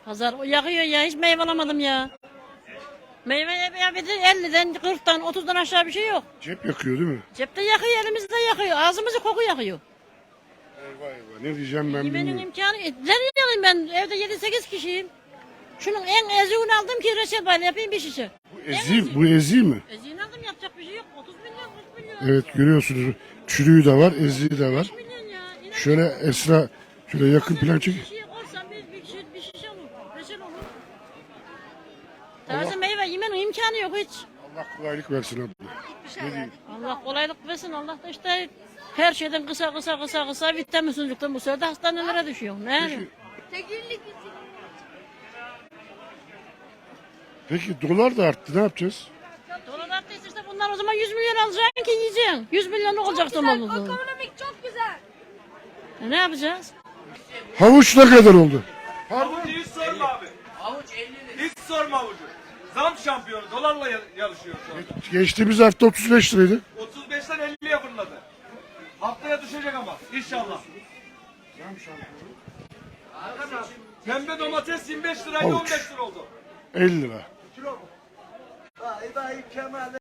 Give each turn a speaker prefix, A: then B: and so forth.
A: Pazar yakıyor ya, hiç meyve alamadım ya. Meyve ya bir de 50'den 40'tan 30'dan aşağı bir şey yok.
B: Cep yakıyor değil mi?
A: Cepte yakıyor, elimizde yakıyor, ağzımızı koku yakıyor.
B: Eyvah eyvah. Ne diyeceğim ben
A: Yemenin
B: bilmiyorum.
A: imkanı, nereye alayım ben, evde 7-8 kişiyim. Şunun en eziğini aldım ki reçel bayla yapayım bir şişe.
B: Bu ezi mi?
A: Eziğini aldım, yapacak bir şey yok, 30 milyon 40 milyon.
B: Evet görüyorsunuz. Çürüğü de var, eziği de var.
A: 5 milyon ya. İnan
B: Şöyle Esra, şöyle yakın plan çek.
A: bir şişeye koysan bir şişe olur, reçel olur. Taze meyve yemenin imkanı yok hiç.
B: Allah kolaylık versin abla. Ne diyeyim?
A: Allah kolaylık versin. Allah da işte her şeyden kısa vitaminsizlikten bu sefer de hastanelere düşüyor. Ne yani?
B: Peki dolar da arttı, ne yapacağız?
A: Dolar arttıysa işte bunlar o zaman 100 milyon alacaksın ki yiyeceksin. 100 milyonluk olacak tamam.
C: Ekonomik çok güzel.
A: Ne yapacağız?
B: Havuç ne kadar oldu?
D: Havucu hiç sorma abi. Hiç sorma havucu. Zam şampiyonu dolarla yarışıyor şu an.
B: Geçtiğimiz hafta 35 liraydı.
D: 35'ten 50'ye fırladı. Haftaya düşecek ama inşallah. Pembe domates 25 liraydı
B: Havuç.
D: 15 lira oldu.
B: 50 lira.
D: Vay vay Kemal